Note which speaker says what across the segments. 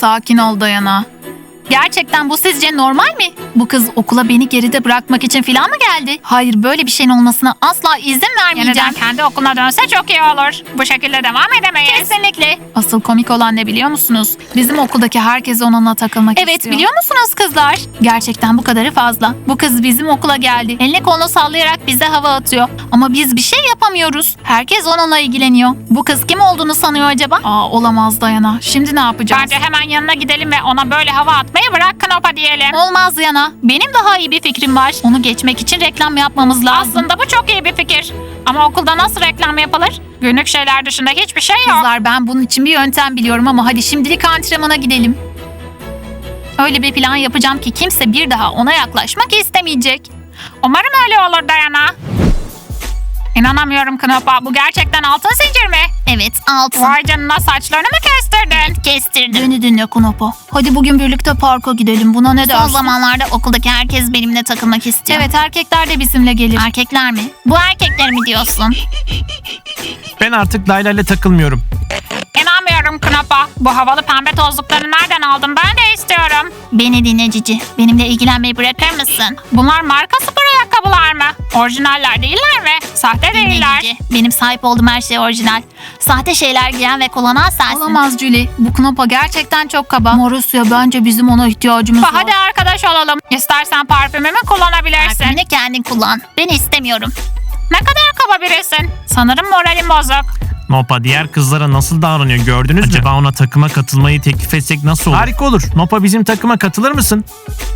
Speaker 1: Sakin ol Dayana. Gerçekten bu sizce normal mi? Bu kız okula beni geride bırakmak için falan mı geldi? Hayır, böyle bir şeyin olmasına asla izin vermeyeceğim.
Speaker 2: Yeniden kendi okuluna dönse çok iyi olur. Bu şekilde devam edemeyiz.
Speaker 1: Kesinlikle. Asıl komik olan ne biliyor musunuz? Bizim okuldaki herkes onunla takılmak istiyor. Evet, biliyor musunuz kızlar? Gerçekten bu kadarı fazla. Bu kız bizim okula geldi. Elini kolunu sallayarak bize hava atıyor. Ama biz bir şey yapamıyoruz. Herkes onunla ilgileniyor. Bu kız kim olduğunu sanıyor acaba? Olamaz Dayana. Şimdi ne yapacağız?
Speaker 2: Bence hemen yanına gidelim ve ona böyle hava atmayı bırak Knopa diyelim.
Speaker 1: Olmaz Yana. Benim daha iyi bir fikrim var. Onu geçmek için reklam yapmamız lazım.
Speaker 2: Aslında bu çok iyi bir fikir. Ama okulda nasıl reklam yapılır? Günlük şeyler dışında hiçbir şey yok.
Speaker 1: Kızlar, ben bunun için bir yöntem biliyorum ama hadi şimdilik antrenmana gidelim. Öyle bir plan yapacağım ki kimse bir daha ona yaklaşmak istemeyecek.
Speaker 2: Umarım öyle olur Dayana. İnanamıyorum Knopa. Bu gerçekten altın zincir mi?
Speaker 1: Evet, altın.
Speaker 2: Vay canına, saçlarını mı kestirdin?
Speaker 1: Kestirdim. Beni dinle Knopa. Hadi bugün birlikte parka gidelim. Buna ne dersin? Son zamanlarda okuldaki herkes benimle takılmak istiyor. Evet, erkekler de bizimle gelir. Erkekler mi? Bu erkekler mi diyorsun?
Speaker 3: Ben artık Layla ile takılmıyorum.
Speaker 2: İnanmıyorum Knopa. Bu havalı pembe tozlukları nereden aldın? Ben de istiyorum.
Speaker 1: Beni dinle Cici. Benimle ilgilenmeyi bırakır mısın?
Speaker 2: Bunlar marka spor ayakkabılar mı? Orijinaller değiller mi? Sahte değiller.
Speaker 1: Cici. Benim sahip olduğum her şey orijinal. Sahte şeyler giyen ve kullanan sensin. Olamaz Julie. Bu Knopa gerçekten çok kaba. Marusya, bence bizim ona ihtiyacımız var.
Speaker 2: Hadi arkadaş olalım. İstersen parfümümü kullanabilirsin.
Speaker 1: Parfümünü kendin kullan. Ben istemiyorum.
Speaker 2: Ne kadar kaba birisin. Sanırım moralim bozuk.
Speaker 3: Nopa diğer kızlara nasıl davranıyor gördünüz mü? Acaba ona takıma katılmayı teklif etsek nasıl olur? Harika olur. Nopa bizim takıma katılır mısın?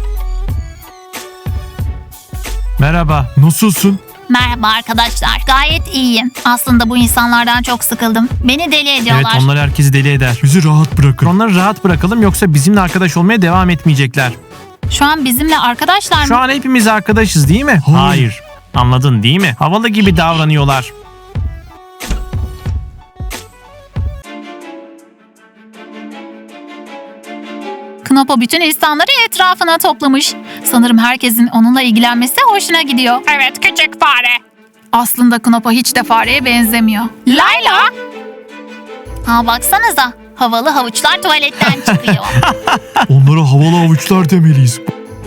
Speaker 3: Merhaba. Nasılsın?
Speaker 1: Merhaba arkadaşlar. Gayet iyiyim. Aslında bu insanlardan çok sıkıldım. Beni deli ediyorlar.
Speaker 3: Evet, onlar herkesi deli eder. Bizi rahat bırakın. Onları rahat bırakalım yoksa bizimle arkadaş olmaya devam etmeyecekler.
Speaker 1: Şu an bizimle arkadaşlar mı?
Speaker 3: Şu an hepimiz arkadaşız değil mi? Hayır. Anladın değil mi? Havalı gibi davranıyorlar.
Speaker 1: Knopa bütün insanları etrafına toplamış. Sanırım herkesin onunla ilgilenmesi hoşuna gidiyor.
Speaker 2: Evet, küçük fare.
Speaker 1: Aslında Knopa hiç de fareye benzemiyor.
Speaker 2: Layla.
Speaker 1: Baksanıza. Havalı havuçlar tuvaletten çıkıyor.
Speaker 3: Onlara havalı avuçlar demeliyiz.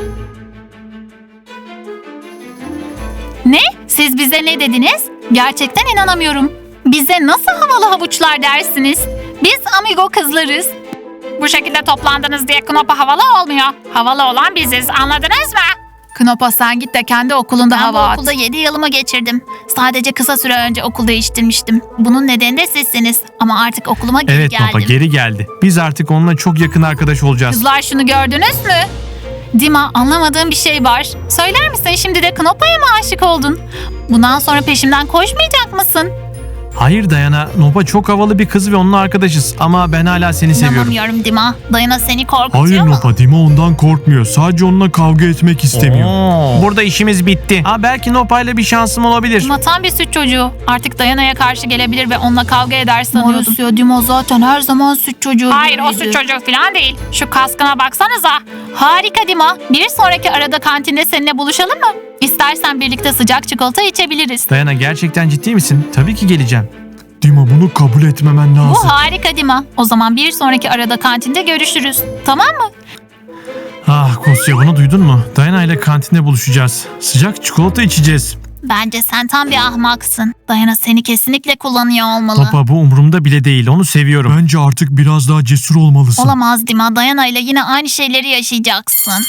Speaker 1: Ne? Siz bize ne dediniz? Gerçekten inanamıyorum. Bize nasıl havalı havuçlar dersiniz? Biz amigo kızlarız.
Speaker 2: Bu şekilde toplandınız diye Knopa havalı olmuyor. Havalı olan biziz, anladınız mı?
Speaker 1: Knopa, sen git de kendi okulunda
Speaker 4: Ben bu
Speaker 1: hava at.
Speaker 4: okulda 7 yılımı geçirdim. Sadece kısa süre önce okul değiştirmiştim. Bunun nedeni de sizsiniz. Ama artık okuluma geri
Speaker 3: Evet
Speaker 4: geldim.
Speaker 3: Nopa geri geldi. Biz artık onunla çok yakın arkadaş olacağız.
Speaker 1: Kızlar, şunu gördünüz mü? Dima, anlamadığım bir şey var. Söyler misin, şimdi de Knopa'ya mı aşık oldun? Bundan sonra peşimden koşmayacak mısın?
Speaker 3: Hayır Dayana, Nopa çok havalı bir kız ve onunla arkadaşız ama ben hala seni seviyorum.
Speaker 4: İnanamıyorum Dima. Dayana seni korkutuyor
Speaker 5: Hayır
Speaker 4: mu?
Speaker 5: Nopa, Dima ondan korkmuyor. Sadece onunla kavga etmek istemiyor.
Speaker 3: Burada işimiz bitti. Belki Nopa ile bir şansım olabilir.
Speaker 1: Dima tam bir süt çocuğu. Artık Dayana'ya karşı gelebilir ve onunla kavga eder sanıyordum.
Speaker 4: Marusya, Dima zaten her zaman süt çocuğu
Speaker 2: Hayır, o
Speaker 4: gibiydi.
Speaker 2: süt çocuğu falan değil. Şu kaskına baksanıza.
Speaker 1: Harika Dima. Bir sonraki arada kantinde seninle buluşalım mı? İstersen birlikte sıcak çikolata içebiliriz.
Speaker 3: Dayana, gerçekten ciddi misin? Tabii ki geleceğim.
Speaker 5: Dima, bunu kabul etmemen lazım.
Speaker 1: Bu harika Dima. O zaman bir sonraki arada kantinde görüşürüz. Tamam mı?
Speaker 3: Kosya, bunu duydun mu? Dayana ile kantinde buluşacağız. Sıcak çikolata içeceğiz.
Speaker 4: Bence sen tam bir ahmaksın. Dayana seni kesinlikle kullanıyor olmalı.
Speaker 3: Nopa, bu umurumda bile değil. Onu seviyorum.
Speaker 5: Bence artık biraz daha cesur olmalısın.
Speaker 4: Olamaz Dima. Dayana ile yine aynı şeyleri yaşayacaksın.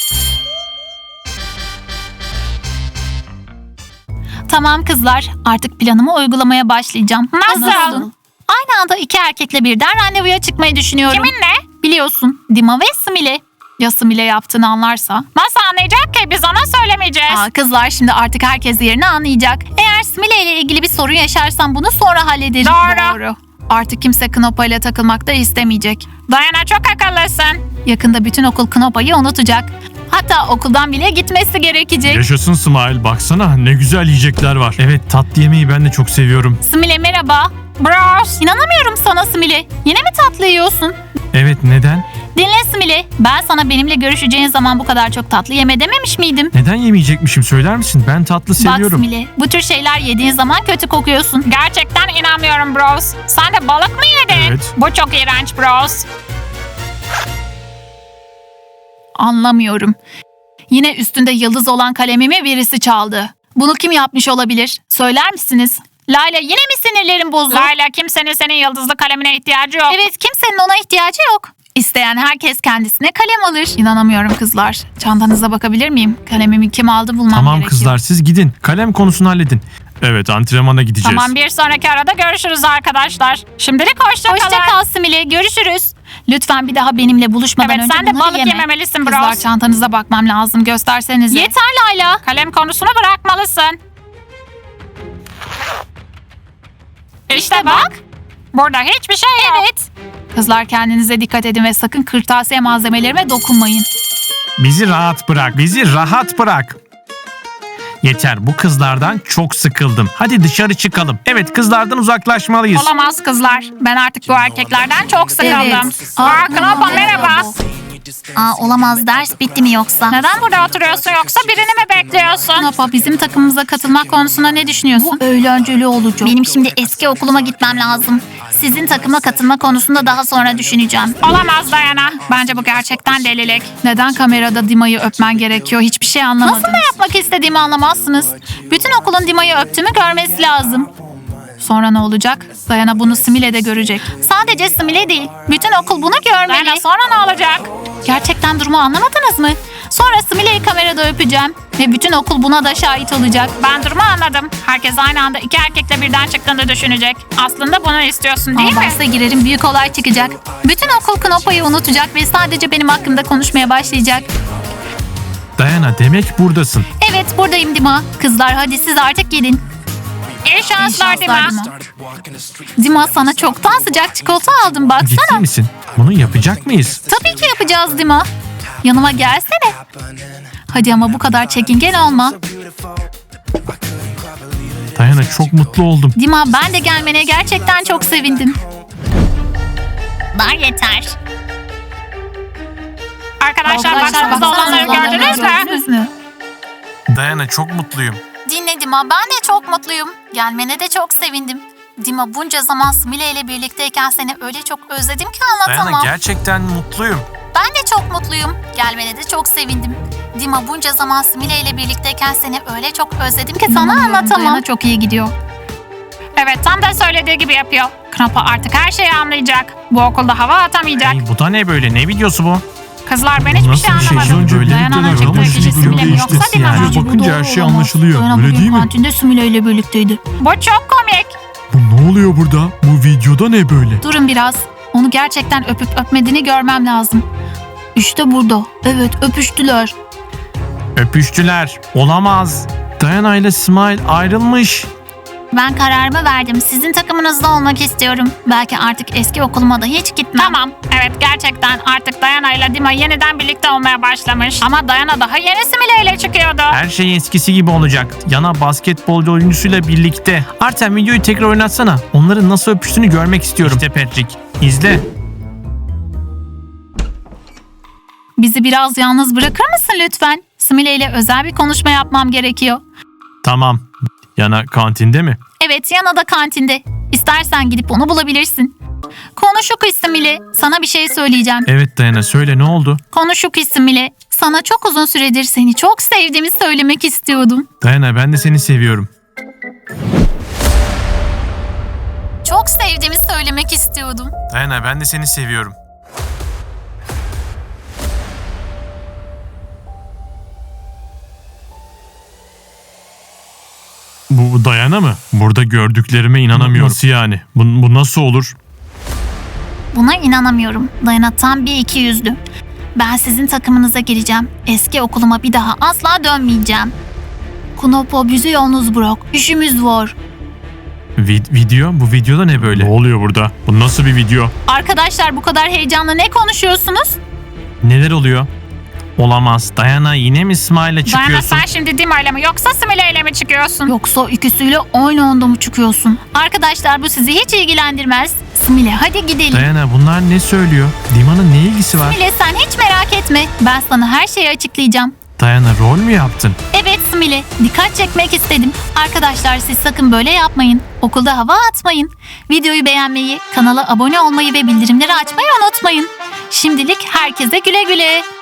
Speaker 1: Tamam kızlar. Artık planımı uygulamaya başlayacağım.
Speaker 2: Nasıl?
Speaker 1: Aynı anda iki erkekle birden randevuya çıkmayı düşünüyorum.
Speaker 2: Kiminle?
Speaker 1: Biliyorsun, Dima ve Smile. Ya Smile yaptığını anlarsa?
Speaker 2: Nasıl anlayacak ki? Biz ona söylemeyeceğiz.
Speaker 1: Kızlar, şimdi artık herkes yerini anlayacak. Eğer Smile ile ilgili bir sorun yaşarsam bunu sonra hallederim.
Speaker 2: Doğru.
Speaker 1: Artık kimse Knopa ile takılmak da istemeyecek.
Speaker 2: Dayana, çok akıllısın.
Speaker 1: Yakında bütün okul Knopa'yı unutacak. Hatta okuldan bile gitmesi gerekecek.
Speaker 5: Yaşasın Smile, baksana ne güzel yiyecekler var.
Speaker 3: Evet, tatlı yemeği ben de çok seviyorum.
Speaker 1: Smile merhaba.
Speaker 2: Bros.
Speaker 1: İnanamıyorum sana Smile. Yine mi tatlı yiyorsun?
Speaker 3: Evet, neden?
Speaker 1: Dinle Smile. Ben sana benimle görüşeceğin zaman bu kadar çok tatlı yeme dememiş miydim?
Speaker 3: Neden yemeyecekmişim, söyler misin? Ben tatlı seviyorum.
Speaker 1: Bak Smile, bu tür şeyler yediğin zaman kötü kokuyorsun.
Speaker 2: Gerçekten inanmıyorum bros. Sen de balık mı yedin?
Speaker 5: Evet.
Speaker 2: Bu çok iğrenç bros.
Speaker 1: Anlamıyorum. Yine üstünde yıldız olan kalemimi birisi çaldı. Bunu kim yapmış olabilir? Söyler misiniz? Layla yine mi sinirlerin bozdu?
Speaker 2: Layla kimsenin senin yıldızlı kalemine ihtiyacı yok.
Speaker 1: Evet, kimsenin ona ihtiyacı yok. İsteyen herkes kendisine kalem alır. İnanamıyorum kızlar. Çantanıza bakabilir miyim? Kalemimi kim aldı bulmam
Speaker 3: Tamam
Speaker 1: gerekiyor.
Speaker 3: kızlar siz gidin. Kalem konusunu halledin. Evet antrenmana gideceğiz.
Speaker 2: Tamam bir sonraki arada görüşürüz arkadaşlar. Şimdilik hoşça kalın.
Speaker 1: Hoşça kal Simile. Görüşürüz. Lütfen bir daha benimle buluşmadan
Speaker 2: Evet
Speaker 1: önce
Speaker 2: sen de
Speaker 1: bunları
Speaker 2: balık
Speaker 1: yeme.
Speaker 2: yememelisin
Speaker 1: Kızlar
Speaker 2: Bros.
Speaker 1: çantanıza bakmam lazım. Göstersenize.
Speaker 2: Yeter Layla. Kalem konusunu bırakmalısın. İşte bak. Burada hiçbir şey yok.
Speaker 1: Evet. Kızlar kendinize dikkat edin ve sakın kırtasiye malzemelerime dokunmayın.
Speaker 3: Bizi rahat bırak. Bizi rahat bırak. Yeter bu kızlardan çok sıkıldım. Hadi dışarı çıkalım. Evet kızlardan uzaklaşmalıyız.
Speaker 2: Olamaz kızlar. Ben artık bu erkeklerden çok sıkıldım.
Speaker 1: Evet.
Speaker 2: Aa, Knopa merhaba.
Speaker 4: Olamaz, ders bitti mi yoksa?
Speaker 2: Neden burada oturuyorsun yoksa birini mi bekliyorsun?
Speaker 1: Napa, bizim takımımıza katılmak konusunda ne düşünüyorsun?
Speaker 4: Eğlenceli olacak. Benim şimdi eski okuluma gitmem lazım. Sizin takıma katılma konusunda daha sonra düşüneceğim.
Speaker 2: Olamaz Dayana. Bence bu gerçekten delilik.
Speaker 1: Neden kamerada Dima'yı öpmen gerekiyor? Hiçbir şey anlamadım.
Speaker 4: Nasıl da
Speaker 1: yapmak istediğimi anlamazsınız. Bütün okulun Dima'yı öptüğümü görmesi lazım. Sonra ne olacak? Dayana bunu Simile de görecek.
Speaker 4: Sadece Simile değil, bütün okul bunu görmeli.
Speaker 2: Dayana sonra ne olacak?
Speaker 1: Gerçekten durumu anlamadınız mı? Sonra Simile'yi kamerada öpeceğim. Ve bütün okul buna da şahit olacak.
Speaker 2: Ben durumu anladım. Herkes aynı anda iki erkekle birden çıktığını düşünecek. Aslında bunu istiyorsun değil
Speaker 1: Ama
Speaker 2: mi?
Speaker 1: bahse girerim, büyük olay çıkacak. Bütün okul Knopa'yı unutacak ve sadece benim hakkımda konuşmaya başlayacak.
Speaker 3: Dayana demek buradasın.
Speaker 1: Evet, buradayım Dima. Kızlar hadi siz artık gidin.
Speaker 2: İyi şanslar Dima.
Speaker 1: Dima, sana çoktan sıcak çikolata aldım, baksana.
Speaker 3: Ciddi misin? Bunu yapacak mıyız?
Speaker 1: Tabii ki yapacağız Dima. Yanıma gelsene. Hadi ama bu kadar çekingen olma.
Speaker 3: Dayana çok mutlu oldum.
Speaker 1: Dima, ben de gelmene gerçekten çok sevindim.
Speaker 4: Daha yeter.
Speaker 2: Arkadaşlar baksanıza olanları gördünüz mü?
Speaker 3: Dayana çok mutluyum.
Speaker 1: Dinle Dima, ben de çok mutluyum. Gelmene de çok sevindim. Dima, bunca zaman Simile ile birlikteyken seni öyle çok özledim ki anlatamam.
Speaker 3: Dayana gerçekten mutluyum.
Speaker 1: Ben de çok mutluyum. Gelmene de çok sevindim. Dima, bunca zaman Simile ile birlikteyken seni öyle çok özledim ki sana anlatamam. Dayana çok iyi gidiyor.
Speaker 2: Evet tam da söylediği gibi yapıyor. Knopa artık her şeyi anlayacak. Bu okulda hava atamayacak.
Speaker 3: Hey, bu da ne böyle? Ne videosu bu?
Speaker 2: Kızlar ben hiçbir
Speaker 3: Nasıl
Speaker 2: şey
Speaker 3: bir şey?
Speaker 2: anlamadım.
Speaker 3: Önce
Speaker 2: Dayana'nın
Speaker 3: birlikteler
Speaker 2: çıktığı
Speaker 3: ama
Speaker 2: kişi
Speaker 3: şimdi
Speaker 2: Simile mi
Speaker 3: değişti.
Speaker 2: yoksa Dima mı?
Speaker 3: Yani.
Speaker 5: Bakınca her şey anlaşılıyor,
Speaker 1: Dayana
Speaker 5: öyle
Speaker 1: bugün
Speaker 5: değil mi?
Speaker 1: kantinde Simile ile birlikteydi.
Speaker 2: Bu çok komik.
Speaker 5: Bu ne oluyor burada? Bu videoda ne böyle?
Speaker 1: Durun biraz. Onu gerçekten öpüp öpmediğini görmem lazım. İşte burada. Evet, öpüştüler.
Speaker 3: Öpüştüler. Olamaz. Dayana ile Smile ayrılmış.
Speaker 4: Ben kararımı verdim. Sizin takımınızda olmak istiyorum. Belki artık eski okuluma da hiç gitmem.
Speaker 2: Tamam. Evet gerçekten artık Dayana ile Dima yeniden birlikte olmaya başlamış. Ama Dayana daha yeni Simile ile çıkıyordu.
Speaker 3: Her şey eskisi gibi olacak. Yana basketbolcu oyuncusuyla birlikte. Artem videoyu tekrar oynatsana. Onların nasıl öpüştüğünü görmek istiyorum. İşte Patrick. İzle.
Speaker 1: Bizi biraz yalnız bırakır mısın lütfen? Simile ile özel bir konuşma yapmam gerekiyor.
Speaker 3: Tamam. Yana kantinde mi?
Speaker 1: Evet, Yana da kantinde. İstersen gidip onu bulabilirsin. Konuşuk Simile. Sana bir şey söyleyeceğim.
Speaker 3: Evet Dayana söyle ne oldu?
Speaker 1: Konuşuk Simile. Sana çok uzun süredir seni çok sevdiğimi söylemek istiyordum.
Speaker 3: Dayana ben de seni seviyorum.
Speaker 1: Çok sevdiğimi söylemek istiyordum.
Speaker 3: Dayana ben de seni seviyorum. Bu Dayana mı? Burada gördüklerime inanamıyorum. Nasıl yani? Bu nasıl olur?
Speaker 4: Buna inanamıyorum. Dayana tam bir iki yüzlü. Ben sizin takımınıza gireceğim. Eski okuluma bir daha asla dönmeyeceğim.
Speaker 1: Knopa, bizi yalnız bırak. İşimiz var.
Speaker 3: Video? Bu videoda ne böyle? Ne oluyor burada? Bu nasıl bir video?
Speaker 1: Arkadaşlar, bu kadar heyecanla ne konuşuyorsunuz?
Speaker 3: Neler oluyor? Olamaz. Dayana yine mi Smile'la
Speaker 2: Dayana
Speaker 3: çıkıyorsun?
Speaker 2: sen şimdi Dima ile mi yoksa Simile ile mi çıkıyorsun?
Speaker 1: Yoksa ikisiyle aynı anda mı çıkıyorsun? Arkadaşlar, bu sizi hiç ilgilendirmez. Simile, hadi gidelim.
Speaker 3: Dayana bunlar ne söylüyor? Dima'nın ne ilgisi var?
Speaker 1: Simile, sen hiç merak etme. Ben sana her şeyi açıklayacağım.
Speaker 3: Dayana rol mü yaptın?
Speaker 1: Evet Simile, dikkat çekmek istedim. Arkadaşlar, siz sakın böyle yapmayın. Okulda hava atmayın. Videoyu beğenmeyi, kanala abone olmayı ve bildirimleri açmayı unutmayın. Şimdilik herkese güle güle.